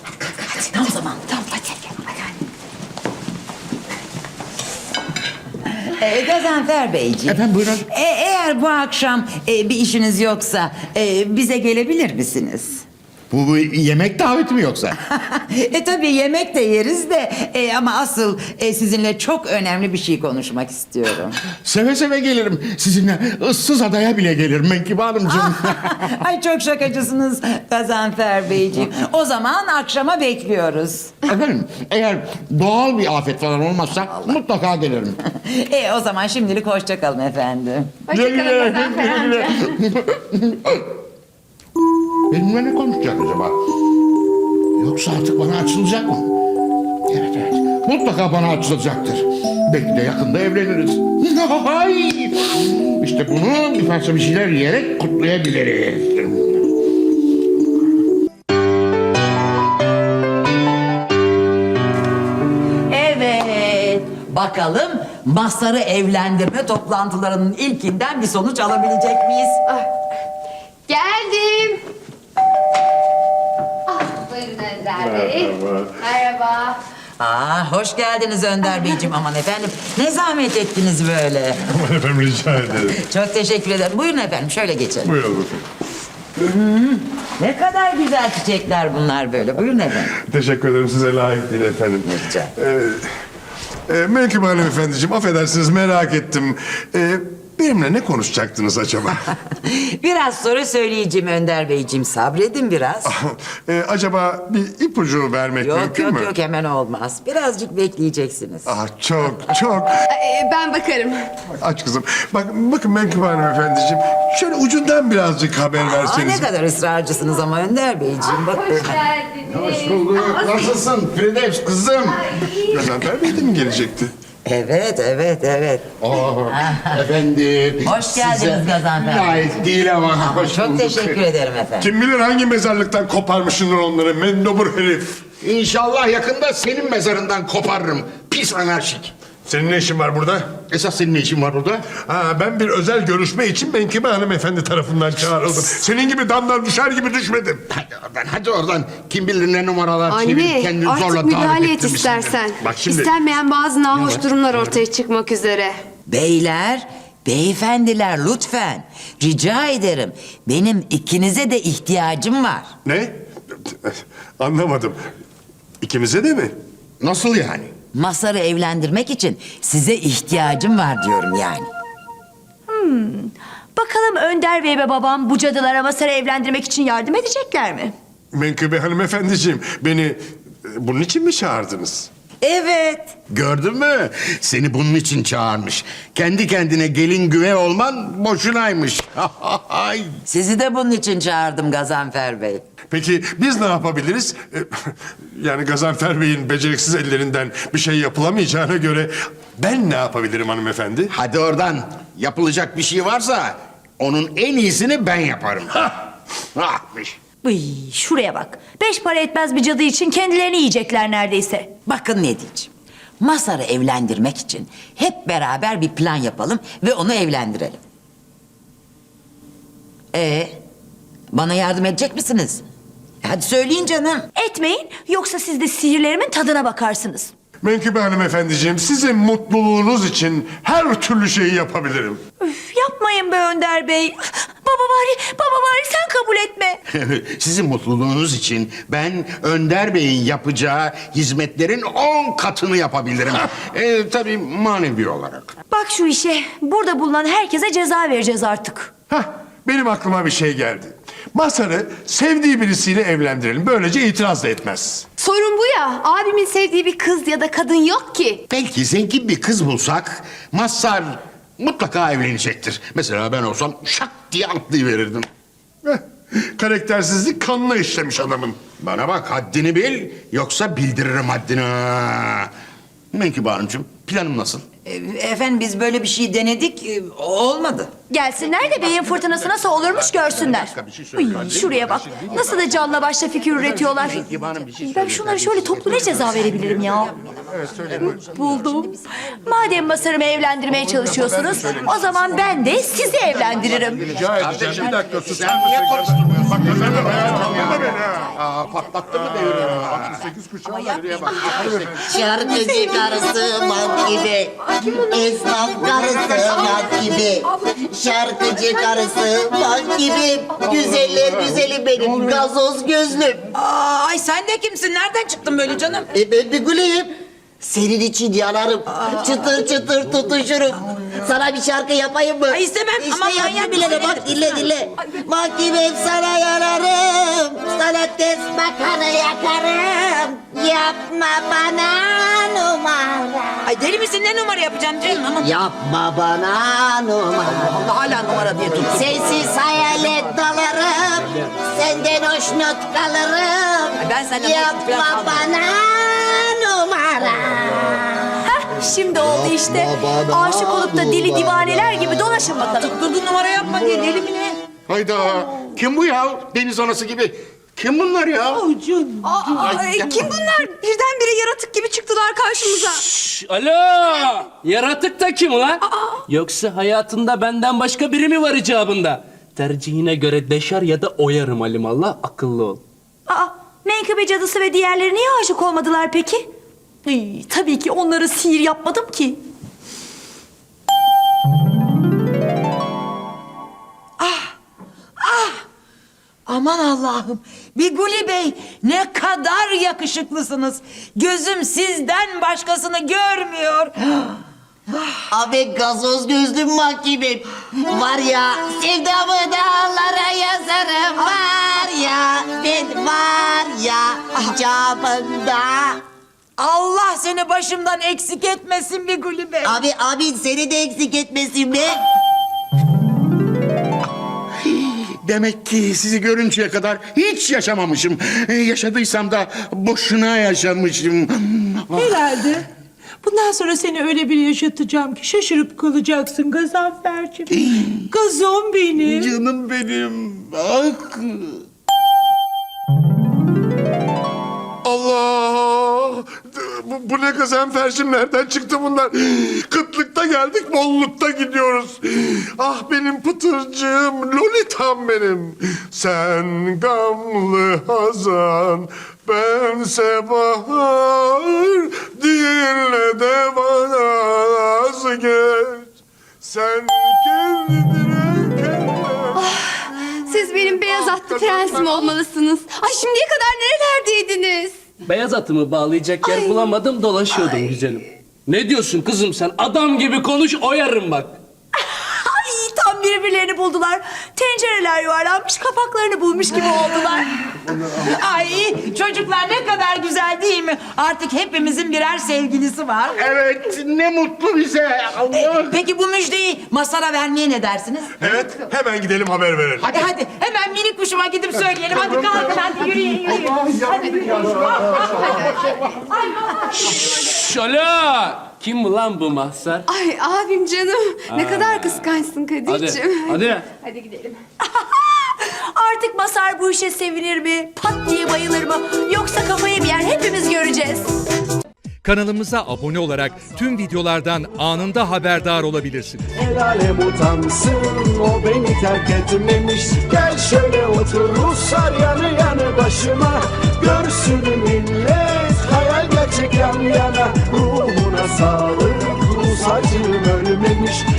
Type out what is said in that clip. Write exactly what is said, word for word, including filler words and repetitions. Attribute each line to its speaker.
Speaker 1: Hadi tam zaman. Tamam hadi.
Speaker 2: Ee, Gazanfer Beyciğim.
Speaker 3: Efendim, buyurun.
Speaker 2: E, eğer bu akşam e, bir işiniz yoksa e, bize gelebilir misiniz?
Speaker 3: Bu, bu yemek daveti mi yoksa?
Speaker 2: e tabii yemek de yeriz de e, ama asıl e, sizinle çok önemli bir şey konuşmak istiyorum.
Speaker 3: Seve seve gelirim. Sizinle ıssız adaya bile gelirim Menkıbe Hanımcığım.
Speaker 2: Ay çok şakacısınız Gazanfer Beyciğim. O zaman akşama bekliyoruz.
Speaker 3: Efendim, eğer doğal bir afet falan olmazsa mutlaka gelirim.
Speaker 2: e o zaman şimdilik hoşça kalın efendim.
Speaker 4: Hoşçakalın Gazanfer amca.
Speaker 3: Benimle ne konuşacak acaba? Yoksa artık bana açılacak mı? Evet evet. Mutlaka bana açılacaktır. Belki de yakında evleniriz. Hay! İşte bunu bir parça bir şeyler yiyerek kutlayabiliriz.
Speaker 2: Evet. Bakalım Mazhar'ı evlendirme toplantılarının ilkinden bir sonuç alabilecek miyiz?
Speaker 4: Ah, geldim. Ah, buyurun Önder Bey. Merhaba. Merhaba.
Speaker 2: Aa, hoş geldiniz Önder Beyciğim. Aman efendim ne zahmet ettiniz böyle.
Speaker 5: Aman efendim rica ederim.
Speaker 2: Çok teşekkür ederim. Buyurun efendim şöyle geçelim.
Speaker 5: Buyurun efendim.
Speaker 2: Ne kadar güzel çiçekler bunlar böyle. Buyurun efendim.
Speaker 5: Teşekkür ederim, size layık değil efendim.
Speaker 2: Rica.
Speaker 5: Ee, e, Menkıbe Hanım efendiciğim, affedersiniz merak ettim. Ee, benimle ne konuşacaktınız acaba?
Speaker 2: Biraz sonra söyleyeceğim Önder Beyciğim. Sabredin biraz.
Speaker 5: Ee, acaba bir ipucu vermek
Speaker 2: Yok
Speaker 5: mümkün
Speaker 2: yok
Speaker 5: mü?
Speaker 2: yok hemen olmaz. Birazcık bekleyeceksiniz.
Speaker 5: Ah, çok çok.
Speaker 4: Ee, ben bakarım.
Speaker 5: Aç kızım. Bak, bakın Menkıbe Hanım efendiciğim. Şöyle ucundan birazcık haber
Speaker 2: Aa,
Speaker 5: verseniz.
Speaker 2: ne kadar ısrarcısınız ama Önder Beyciğim. Bakın.
Speaker 4: Hoş geldiniz.
Speaker 3: Hoş bulduk. Nasılsın Firdevs kızım?
Speaker 5: Gazanfer Bey de mi gelecekti?
Speaker 2: Evet evet evet.
Speaker 3: Aa, efendim.
Speaker 2: Hoş geldiniz
Speaker 3: size
Speaker 2: Gazanfer Bey.
Speaker 3: Layık değil ama hoş
Speaker 2: Çok
Speaker 3: bulduk.
Speaker 2: teşekkür ederim efendim.
Speaker 5: Kim bilir hangi mezarlıktan koparmışsındır onları, mendobur herif.
Speaker 3: İnşallah yakında senin mezarından koparırım. Pis anarşik.
Speaker 5: Senin ne işin var burada?
Speaker 3: Esas senin ne işin var burada?
Speaker 5: Ha, ben bir özel görüşme için Menkıbe hanımefendi tarafından çağrıldım. Senin gibi damlar düşer gibi düşmedim.
Speaker 3: Hadi oradan, hadi oradan. Kim bilir ne numaralar
Speaker 4: Anne,
Speaker 3: çevirip kendini zorla
Speaker 4: artık
Speaker 3: tarif
Speaker 4: müdahale et
Speaker 3: ettirmişsindir.
Speaker 4: istersen.
Speaker 5: Bak şimdi-
Speaker 4: İstenmeyen bazı nahoş durumlar ortaya çıkmak üzere.
Speaker 2: Beyler, beyefendiler lütfen. Rica ederim. Benim ikinize de ihtiyacım var.
Speaker 5: Ne? Anlamadım. İkimize de mi?
Speaker 3: Nasıl yani?
Speaker 2: Mazhar'ı evlendirmek için size ihtiyacım var diyorum yani.
Speaker 6: Bakalım Önder Bey ve babam bu cadılara Mazhar'ı evlendirmek için yardım edecekler mi?
Speaker 5: Menkıbe hanımefendiciğim, beni e, bunun için mi çağırdınız?
Speaker 2: Evet.
Speaker 3: Gördün mü? Seni bunun için çağırmış. Kendi kendine gelin güve olman boşunaymış. Ay.
Speaker 2: Sizi de bunun için çağırdım Gazanfer Bey.
Speaker 5: Peki biz ne yapabiliriz? E, Yani Gazanfer Bey'in beceriksiz ellerinden bir şey yapılamayacağına göre ben ne yapabilirim hanımefendi?
Speaker 3: Hadi oradan. Yapılacak bir şey varsa onun en iyisini ben yaparım. Ahmış.
Speaker 6: Uy, şuraya bak. Beş para etmez bir cadı için kendilerini yiyecekler neredeyse.
Speaker 2: Bakın ne diyeceğim. Mazhar'ı evlendirmek için hep beraber bir plan yapalım ve onu evlendirelim. Ee, bana yardım edecek misiniz? Hadi söyleyin canım.
Speaker 6: Etmeyin yoksa siz de sihirlerimin tadına bakarsınız.
Speaker 5: Menkıbe hanımefendiciğim, sizin mutluluğunuz için her türlü şeyi yapabilirim.
Speaker 6: Üf, yapmayın be Önder Bey. Baba bari, baba bari sen kabul etme.
Speaker 3: Sizin mutluluğunuz için ben Önder Bey'in yapacağı hizmetlerin on katını yapabilirim. ee, tabii manevi olarak.
Speaker 6: Bak şu işe. Burada bulunan herkese ceza vereceğiz artık.
Speaker 5: Hah, benim aklıma bir şey geldi. Mazhar'ı sevdiği birisiyle evlendirelim. Böylece itiraz da etmez.
Speaker 4: Sorun bu ya. Abimin sevdiği bir kız ya da kadın yok ki.
Speaker 3: Belki zengin bir kız bulsak Mazhar mutlaka evlenecektir. Mesela ben olsam şak diye atlayıverirdim.
Speaker 5: Heh, karaktersizlik kanına işlemiş adamın.
Speaker 3: Bana bak haddini bil yoksa bildiririm haddini. ha. Menkıbe Hanımcığım planım nasıl?
Speaker 2: E, efendim biz böyle bir şey denedik, e, olmadı.
Speaker 6: Gelsinler de beyin fırtınası nasıl olurmuş görsünler. Uy, şuraya bak. Nasıl da canla başla fikir üretiyorlar. Ben şunlara şöyle toplu ne ceza verebilirim ya? Buldum. Madem Masar'ımı evlendirmeye çalışıyorsunuz, o zaman ben de sizi evlendiririm.
Speaker 5: Rica edeceğim. Bir dakika sus.
Speaker 3: Sen niye karıştırmıyorsun? Bak kazanma be. Kaldırma beni ha. Aa, patlattın mı devrimi? altmış sekiz kuşağı var. Yürüye bak.
Speaker 7: Şarkıcı karısı mat gibi, esnaf karısı mat gibi, şarkıcı karısı mat gibi, güzeller güzeli benim gazoz gözlüm.
Speaker 2: Aa, ay sen de kimsin? Nereden çıktın böyle canım?
Speaker 7: E ben bir güleyim. Senin için yanarım, çıtır çıtır tutuşurum. Sana bir şarkı yapayım mı?
Speaker 2: Ay istemem,
Speaker 7: İşte
Speaker 2: aman
Speaker 7: yaptım
Speaker 2: manyak
Speaker 7: bile de
Speaker 2: mısın?
Speaker 7: bak dinle dinle. Bak gibi sana yanarım, sana test bakanı yakarım. Yapma bana numara.
Speaker 2: Ay deli misin? Ne numara yapacaksın canım? Aman.
Speaker 7: Yapma bana numara.
Speaker 2: Allah hala numara diye tut.
Speaker 7: Sensiz hayale dalarım, senden hoşnut kalırım.
Speaker 2: Ay ben senden hoşnut
Speaker 7: Yapma
Speaker 2: falan kalmam.
Speaker 7: bana numara.
Speaker 6: Şimdi oldu işte. Aşık olup da deli divaneler gibi dolaşın bakalım.
Speaker 2: Tutturdun numara yapma diye deli mi ne?
Speaker 3: Hayda. Kim bu ya? Deniz anası gibi. Kim bunlar ya?
Speaker 6: Ay, kim bunlar? Birdenbire yaratık gibi çıktılar karşımıza.
Speaker 8: Şş, alo! Yaratık da kim ulan? Yoksa hayatında benden başka biri mi var icabında? Tercihine göre deşer ya da oyarım alimallah, akıllı ol.
Speaker 6: Aa, menkıbe cadısı ve diğerleri niye aşık olmadılar peki? Ay, tabii ki onları sihir yapmadım ki.
Speaker 2: Aman Allah'ım. Biguli Bey ne kadar yakışıklısınız. Gözüm sizden başkasını görmüyor.
Speaker 7: Abi gazoz gözlüm mahkemim. Var ya sevdamı dağlara yazarım. Var ya ben var ya icabında.
Speaker 2: Allah seni başımdan eksik etmesin Biguli Bey.
Speaker 7: Abi abi seni de eksik etmesin be.
Speaker 3: Demek ki sizi görünceye kadar hiç yaşamamışım. Ee, yaşadıysam da boşuna yaşamışım.
Speaker 9: Herhalde. Bundan sonra seni öyle bir yaşatacağım ki şaşırıp kalacaksın Gazanfer'cim. Gazon benim.
Speaker 3: Canım benim. Bak.
Speaker 5: Allah! Bu, bu ne Gazanfer'cim? Nereden çıktı bunlar? Kıtlıkta geldik, bollukta gidiyoruz. Ah benim pıtırcığım, lolitam benim. Sen gamlı hazan, bense bahar. Dinle de bana az geç. Sen kendine kendine.
Speaker 4: Siz benim beyaz atlı prensim olmalısınız. Ay şimdiye kadar nerelerdeydiniz?
Speaker 8: Beyaz atımı bağlayacak yer bulamadım, dolaşıyordum güzelim. Ne diyorsun kızım sen? Adam gibi konuş, oyarım bak.
Speaker 6: Ay tam birbirlerini buldular. Tencereler yuvarlanmış, kapaklarını bulmuş gibi oldular.
Speaker 2: Ay çocuklar ne kadar güzel değil mi? Artık hepimizin birer sevgilisi var.
Speaker 3: Evet, ne mutlu bize. Allah.
Speaker 2: E, peki bu müjdeyi Masar'a vermeye ne dersiniz?
Speaker 5: Evet, hemen gidelim haber verelim.
Speaker 2: Hadi hadi hemen minik kuşuma gidip söyleyelim. Hadi kalkın hadi yürüyün yürüyün. Hadi yürüyün.
Speaker 8: Şş, alo! Kim bu lan bu mahzar?
Speaker 4: Ay abim canım. Ne kadar kıskançsın
Speaker 8: Hadi,
Speaker 4: Kadir'ciğim.
Speaker 8: hadi.
Speaker 4: Hadi gidelim.
Speaker 6: Artık Masar bu işe sevinir mi? Pat diye bayılır mı? Yoksa kafayı mı yer? Hepimiz göreceğiz.
Speaker 10: Kanalımıza abone olarak tüm videolardan anında haberdar olabilirsiniz.
Speaker 11: El alem utansın, o beni terk etmemiş. Gel şöyle otur Ruslar yanı yanı başıma. Görsün millet hayal gerçek yan yana. Ruhuna sağlık, Rus acım ölmemiş.